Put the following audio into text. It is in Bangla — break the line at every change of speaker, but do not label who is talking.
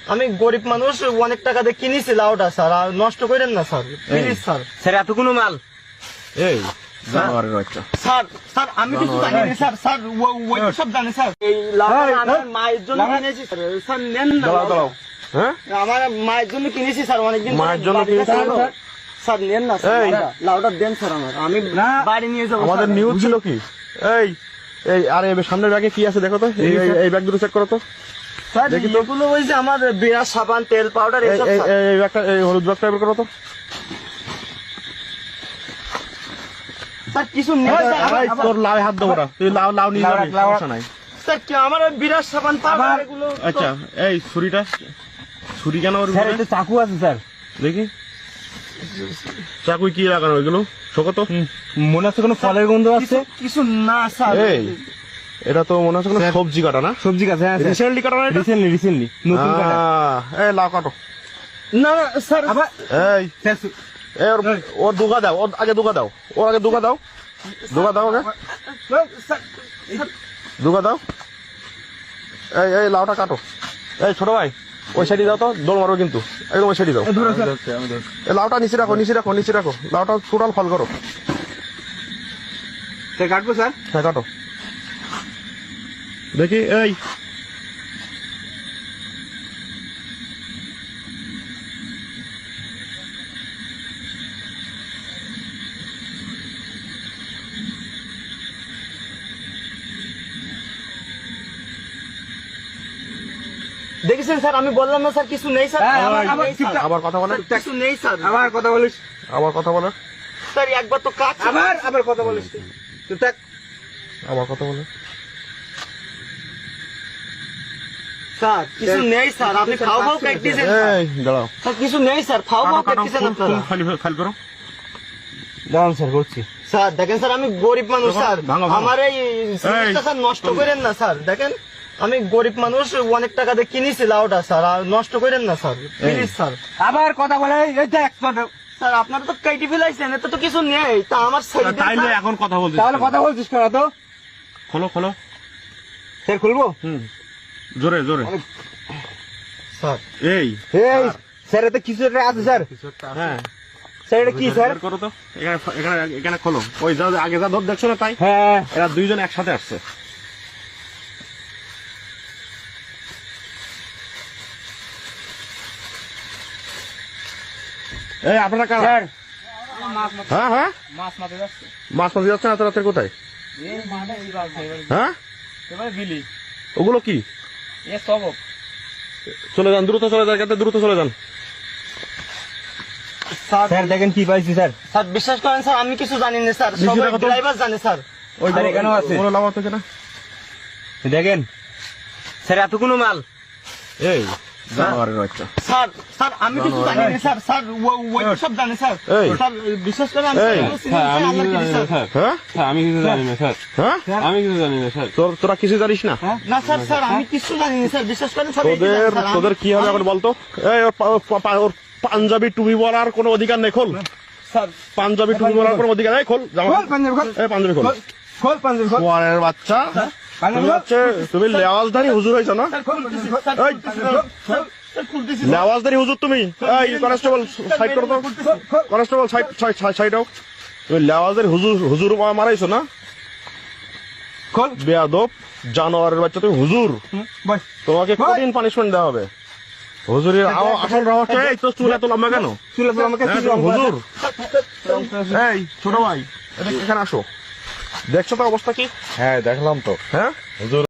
আমি গরিব মানুষ, অনেক টাকা দিয়ে কিনেছি লাউটা স্যার, আর নষ্ট করেন না স্যার, প্লিজ স্যার।
স্যার এত কোনো মাল
এই জানোয়ারের বাচ্চা।
স্যার স্যার আমি কিছু জানি না স্যার, স্যার ওই সব জানে স্যার। এই লাউটা আমার মায়ের জন্য কিনেছি স্যার, স্যার নেন না।
দাঁড়াও দাঁড়াও, হ্যাঁ
আমার মায়ের জন্য কিনেছি স্যার, অনেকদিন
মায়ের জন্য কিনেছি?
স্যার নেন না স্যার,
এই।
লাউটা দেন স্যার, আমি বাড়ি নিয়ে যাবো।
আমাদের
স্যার।
নিউজ ছিল কি? এই এই আরে সামনের ব্যাগে কি আছে দেখো তো, এই ব্যাগ দুটো চেক করো তো।
স্যার
দেখি তো।
এগুলো ওই যে আমার বিরাট সাবান, তেল, পাউডার
এই
এসব স্যার।
এই ব্যাগটা, এই হলুদ ব্যাগটা বের করো তো।
স্যার কিছু নেই স্যার,
এই, তোর লাউ হাত দেবো না, তুই লাউ লাউ নিয়ে যাবি, সমস্যা নাই।
স্যার কি আমার ওই বিরাট সাবান, পাউডার এগুলো তো-
আচ্ছা এই ছুরিটা, ছুরি কেন ওর
স্যার
উপরে?
এটা চাকু আছে স্যার।
দেখি চাকুই কি লাগানো এগুলো, শোকো তো।
মনে হচ্ছে কোনো ফলের গন্ধ আছে।
কিছু না স্যার।
এই এটা তো মনে হচ্ছে কোনো সবজি কাটা না?
সবজি গাছ, হ্যাঁ
রিসেন্টলি কাটা না এটা?
রিসেন্টলি নতুন কাটা।
এই লাউ কাটো।
না না স্যার,
আবার
এই
স্যার
এই ওর দুগা দাও, ওর আগে দুগা দাও, ওর আগে দুগা দাও, দুগা দাও ওকে,
স্যার,
দুগা দাও। এই এই লাউটা কাটো। এই ছোট ভাই ওই সাইডে দাও তো, দৌড় মারো কিন্তু, একদম ওই সাইডে দাও। এই লাউটা নিচে রাখো, নিচে রাখো, নিচে রাখো, লাউটা টোটাল ফল করো।
স্যার কাটবো স্যার।
হ্যাঁ কাটো দেখি। এই
দেখেছেন স্যার, আমি বললাম না স্যার কিছু নেই স্যার,
হ্যাঁ,
আমার নেই স্যার,
আবার কথা বলে,
কিছু নেই স্যার।
আবার কথা বলিস,
আবার কথা বলে,
স্যার একবার তো কাজ
আবার কথা বলিস তুই থাক।
আবার কথা বলে।
স্যার কিছু নেই স্যার, আপনি খাও খাও প্র্যাকটিসেন স্যার।
এই দাঁড়াও,
স্যার কিছু নেই স্যার, খাও খাও প্র্যাকটিসেন আপনারা।
ফাইল করো।
দাঁড়ান স্যার করছি।
স্যার দেখেন স্যার, আমি গরিব মানুষ স্যার,
ভাঙো, ভাঙো।
আমার এই জিনিসটা স্যার নষ্ট করেন না স্যার। দেখেন আমি গরিব মানুষ, অনেক টাকা দিয়ে কিনেছি লাউটা স্যার, আর নষ্ট করেন না স্যার, প্লিজ স্যার।
আবার কথা বলে এই দেখ
স্যার আপনারা তো কেটে ফেলাইছেন, এতে তো কিছু নেই, তা আমার সাইডে
তাইলে এখন কথা বলছিস
তাহলে
কেন?
কথা বলছিস কেন তো?
খোলো খোলো।
স্যার খুলবো?
জোরে জোরে।
স্যার
এই
এই স্যার এতে কিছু একটা আছে স্যার।
হ্যাঁ
স্যার এটা কি স্যার?
বের করো তো, এখানে এখানে এখানে খোলো। ওই যা আগে যা ধর দেখছো না, তাই
হ্যাঁ
এরা দুইজন একসাথে আসছে। এই আপনারা কারা?
স্যার
হ্যাঁ হ্যাঁ,
মাছ মারতে যাচ্ছে।
মাছ মাছ যাচ্ছে না, রাতের কোথায়?
এই মাঠে এই বাল
হ্যাঁ
এবারে বিলি
ওগুলো কি?
এ সব
চলে যান, দ্রুত চলে যান, এখান দ্রুত চলে যান।
স্যার দেখেন কি পাইছি স্যার।
স্যার বিশ্বাস করেন স্যার, আমি কিছু জানি না স্যার,
নিচে
সবাই
রাখো তো।
ড্রাইভার জানে স্যার।
ওই
স্যার, এখানেও আছে।
ওগুলো লাভ থেকে না।
দেখেন স্যার এত কোনো মাল।
এই জানোয়ারের বাচ্চা।
স্যার স্যার আমি কিছু জানি না স্যার, স্যার ওই সব জানে স্যার।
এই।
স্যার বিশ্বাস করেন আমি
এই।
এগুলো চিনি না, স্যার, আল্লাহ কি স্যার।
হ্যাঁ
স্যার আমি কিছু জানি না স্যার,
হ্যাঁ,
আমি কিছু জানি না স্যার।
তোরা কিছু জানিস না?
না স্যার, স্যার আমি কিছু জানি না স্যার, বিশ্বাস করেন সবাই
তোদের
জানে, স্যার, আমি-
তোদের কি হবে এখন বলতো? এই ওর পাঞ্জাবি টুপি পরার কোনো অধিকার নেই, খোল।
স্যার
পাঞ্জাবি টুপি পরার কোনো অধিকার নেই, খোল জামা।
খোল পাঞ্জাবি খোল।
এই পাঞ্জাবি খোল।
খোল পাঞ্জাবি খোল।
ওয়ারের বাচ্চা,
পাঞ্জাবি
তুমি
খোল।
হচ্ছে তুমি লেওয়াজধারী হুজুর হয়েছো না?
স্যার খুলতেছি, স্যার
এই।
খুলতেছি, স্যার, স্যার খুলতেছি,
লেওয়াজধারী হুজুর তুমি। এই কনস্টেবল সাইড করো তো, কনস্টেবল সাইড সাইড সাইড হোক। তুমি লেওয়াজধারী হুজুর হুজুর মারাইছো না?
খোল।
বেয়াদব জানোয়ারের বাচ্চা, তুমি হুজুর,
বস।
তোমাকে কঠিন পানিশমেন্ট দেওয়া হবে। হুজুরের আসল রহস্য, এই তো চুল এত লম্বা কেন?
চুলে তো আমাকে
হ্যাঁ, তুমি হুজুর। এই ছোট ভাই, এখানে আসো। দেখছো তো অবস্থা কি?
হ্যাঁ দেখলাম তো।
হ্যাঁ
হুজুর